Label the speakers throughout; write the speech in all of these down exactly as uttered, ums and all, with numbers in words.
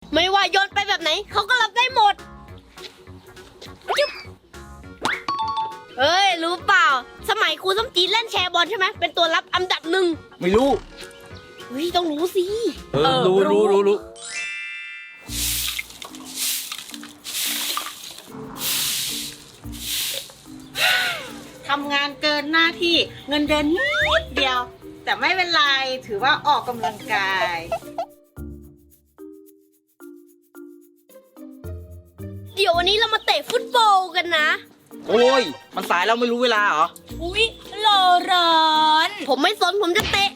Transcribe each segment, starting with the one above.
Speaker 1: ไม่ว่าโยนไปแบบไหนเขาก็รับได้หมดจุ๊บเฮ้ยรู้เปล่าสมัยครูส้มจีดเล่นแชร์บอลใช่ไหมเป็นตัวรับอันดับหนึ่ง
Speaker 2: ไม่รู้
Speaker 1: เฮ้ยต้องรู้สิ
Speaker 2: เออรู้รู้รู้รู้
Speaker 3: ทำงานเกินหน้าที่เงินเดือนนิดเดียวแต่ไม่เป็นไรถือว่าออกกำลังกาย
Speaker 1: เดี๋ยววันนี้เรามาเตะฟุตบอลกันนะ
Speaker 2: โอ้ยมันสายแล้วไม่รู้เวลาเหรอ
Speaker 1: อุ๊ยรอร้อนผมไม่สนผมจะเตะ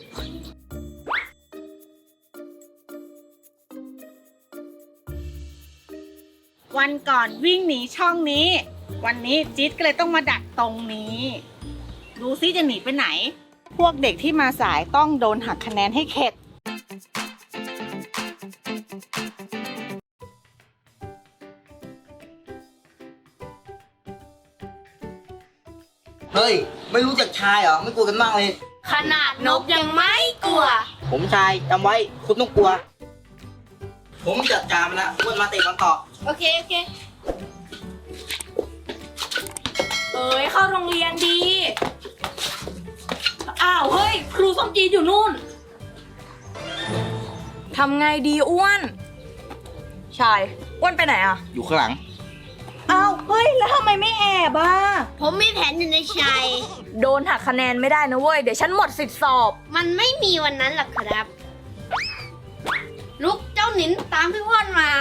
Speaker 3: วันก่อนวิ่งหนีช่องนี้วันนี้จิ๊ดก็เลยต้องมาดักตรงนี้ดูซิจะหนีไปไหนพวกเด็กที่มาสายต้องโดนหักคะแนนให้เข็ด
Speaker 2: เฮ้ยไม่รู้จักชายเหรอไม่กลัวกันบ้างเลย
Speaker 1: ขนาดนกยังไม่กลัว
Speaker 2: ผมชายจำไว้คุณต้องกลัวผมจัดการมันแล้ววนมาเตะบอลต่อ
Speaker 1: โอเคโอเคเอ้ยเข้าโรงเรียนดีอ้าวเฮ้ยครูส้มจีนอยู่นู่น
Speaker 4: ทำไงดีอ้วนชายอ้วนไปไหนอ่ะ
Speaker 2: อยู่ข้างหลัง
Speaker 4: อ้าวเฮ้ยแล้วทำไมไม่แอบอ่ะ
Speaker 1: ผมมีแผนอยู่ในใจ
Speaker 4: โดนหักคะแนนไม่ได้นะเว้ยเดี๋ยวฉันหมดสิทธิสอบ
Speaker 1: มันไม่มีวันนั้นหรอกครับลุกเจ้าหนินตามพี่พ่อนมา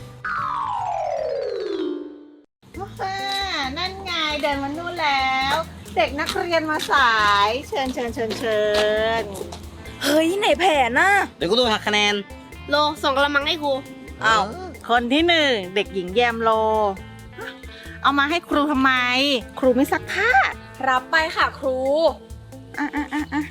Speaker 3: นั่นไงเดินมานู่นแล้วเด็กนักเรียนมาสายเชิญเชิญเชิญเชิญ
Speaker 4: เฮ้ยไหนแผนน่ะ
Speaker 2: เดี๋ยวก็โดนหักคะแนน
Speaker 1: โลส่งกระมังให้ครู
Speaker 3: อ้าวคนที่หนึ่งเด็กหญิงแยมโลเอามาให้ครูทำไมครูไม่ซักผ้า
Speaker 4: รับไปค่ะครู
Speaker 3: อ่ะอ่ะอ่ะอ่ะ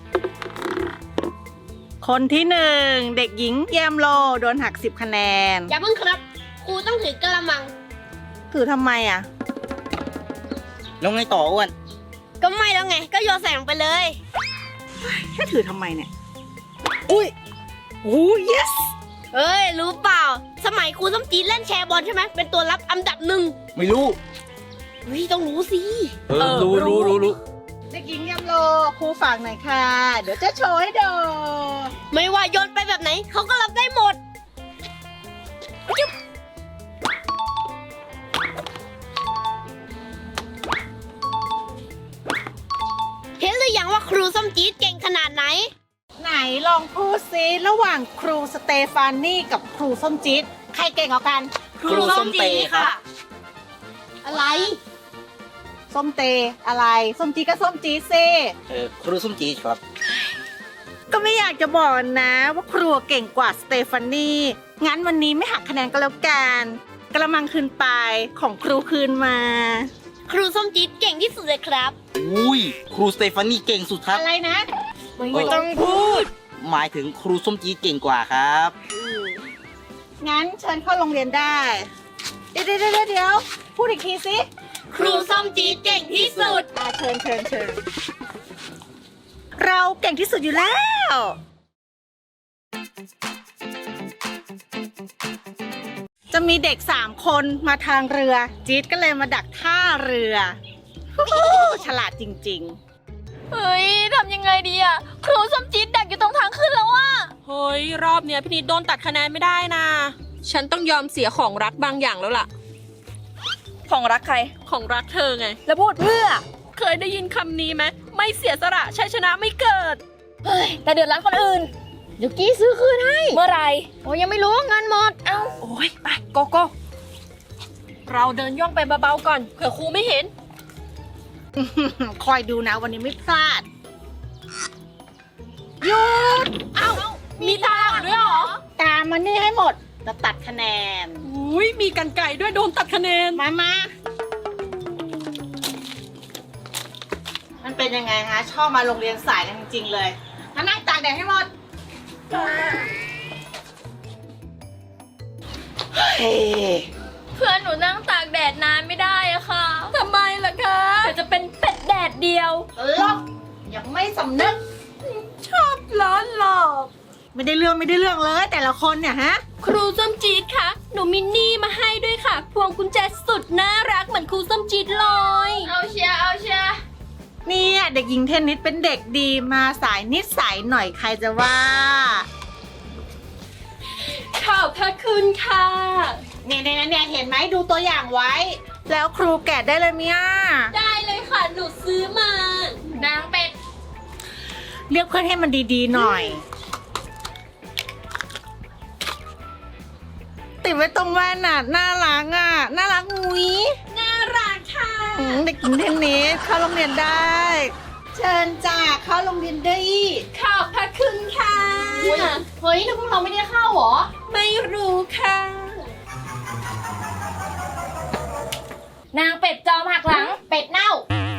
Speaker 3: คนที่หนึ่งเด็กหญิงแยมโลโดนหักสิบคะแนน
Speaker 1: อย่าเพิ่งครับครูต้องถือกระมัง
Speaker 3: ถือทำไมอ่ะ
Speaker 2: แล้วไงต่ออ้วน
Speaker 1: ก็ไม่แล้วไงก็โยนใส่ลงไปเลย
Speaker 3: แค่ถือทำไมเนี่ยอุ้ยโอ้ย yes
Speaker 1: เอ้ยรู้เปล่าสมัยครูส้มจีดเล่นแชร์บอลใช่ไหมเป็นตัวรับอันดับหนึ่ง
Speaker 2: ไม่รู้
Speaker 1: เฮ้ยต้องรู้สิ
Speaker 2: เออรู้รู้รู้รู้
Speaker 3: เด็กหญิงยำโลครูฝากหน่อยค่ะเดี๋ยวจะโชว์ให้ดู
Speaker 1: ไม่ว่าโยนไปแบบไหนเขาก็รับได้หมดจุ๊บเห็นหรือยังว่าครูส้มจี๊ดเก่งขนาดไหน
Speaker 3: ไหนลองพูดซิระหว่างครูสเตฟานี่กับครูส้มจี๊ดใครเก่งกว่ากัน
Speaker 2: ครูส้มเตค่ะ
Speaker 1: อะไร
Speaker 3: ส้มเตอะไรส้มจี๊ดก็ส้มจี๊ดซิ
Speaker 2: เออครูส้มจี๊ดครับ
Speaker 3: ก็ไม่อยากจะบอกนะว่าครูเก่งกว่าสเตฟานี่งั้นวันนี้ไม่หักคะแนนก็แล้วกันกระมังคืนไปของครูคืนมา
Speaker 1: ครูส้มจี๊ดเก่งที่สุดเลยครับ
Speaker 2: อุ้ยครูสเตฟานี่เก่งสุดครับ
Speaker 3: อะไรนะ
Speaker 1: ไม่ต้องพูด
Speaker 2: หมายถึงครูส้มจี๊ดเก่งกว่าครับ
Speaker 3: งั้นเชิญเข้าโรงเรียนได้เดี๋ยวเดี๋ยวเดี๋ยวเดี๋ยวพูดอีกทีสิ
Speaker 1: ครูส้มจี๊ดเก่งที่สุด
Speaker 3: อ่าเชิญเชิญเชิญเราเก่งที่สุดอยู่แล้วจะมีเด็กสามคนมาทางเรือจี๊ดก็เลยมาดักท่าเรือฉลาดจริงๆ
Speaker 4: เฮ้ยทำยังไงดีอะครูส้มจี๊ดดักอยู่ตรงทางขึ้นแล้วอะ
Speaker 5: เฮ้ยรอบเนี้ยพี่นิดโดนตัดคะแนนไม่ได้นะฉันต้องยอมเสียของรักบางอย่างแล้วล่ะ
Speaker 4: ของรักใคร
Speaker 5: ของรักเธอไง
Speaker 4: แล้วพูดเพื่อ
Speaker 5: เคยได้ยินคำนี้ไหมไม่เสียสละชัยชนะไม่เกิด
Speaker 4: เฮ้ยแต่เดือดร้อนคนอื่น
Speaker 1: เดี๋ยวกี้ซื้อคืนให้
Speaker 4: เมื่อไร
Speaker 1: โอ้ยังไม่รู้เงินหมด
Speaker 4: เอ้า
Speaker 5: โอ้ยไปโกโก้เราเดินย่องไปเบาๆก่อนเผื่อครูไม่เห็น
Speaker 3: คอยดูนะวันนี้ไม่พลาดหยุด
Speaker 5: เอ้ามีตาด้วยเหรอ
Speaker 3: ตามมานี่ให้หมดจะตัดคะแนน
Speaker 5: อุ้ยมีกันไก่ด้วยโดนตัดคะแนน
Speaker 3: มามามันเป็นยังไงฮะชอบมาโรงเรียนสายกันจริงๆเลยมานั่งตากแดดให้หมดเฮ้
Speaker 4: เพื่อนหนูนั่งตากแดดนานไม่ได้อะค่ะทำไมล่ะคะเดี๋ยวจะเป็นเป็ดแดดเดียว
Speaker 3: ลบยังไม่สำนึก
Speaker 4: ชอบล้อหลอก
Speaker 3: ไม่ได้เรื่องไม่ได้เรื่องเลยแต่ละคนเนี่ยฮะ
Speaker 4: ครูส้มจี๊ดคะ หนูมินนี่มาให้ด้วยค่ะ พวงกุญแจสุดน่ารักเหมือนครูส้มจี๊ดเลย เอาเชียร์เอาเชียร์
Speaker 3: เนี่ยเด็กหญิงเทนนิสเป็นเด็กดีมาสายนิสัยหน่อยใครจะว่า
Speaker 4: ขอบพระคุณค่ะ
Speaker 3: เนี่ยเนี่ยเนี่ยเห็นไหมดูตัวอย่างไว้ แล้วครูแกะได้เลยเนี่ย
Speaker 4: ได้เลยค่ะ หนูซื้อมา นางเป็ด
Speaker 3: เรียกเพื่อนให้มันดีๆหน่อย ติดไว้ตรงแว่นน่ะน่ารักอ่ะน่ารักงุ้ย
Speaker 4: น่ารักค่ะ
Speaker 3: อืมเด็กหญิงเทนนิสเข้าโรงเรียนได้ เชิญจ้าเข้าโรงเรียนได้
Speaker 4: ขอบพระคุณค่ะ
Speaker 1: เฮ้ยแล้วพวกเราไม่ได้เข้าเหรอ
Speaker 4: ไม่รู้ค่ะ
Speaker 1: นางเป็ดจอมหักหลัง เป็ดเน่า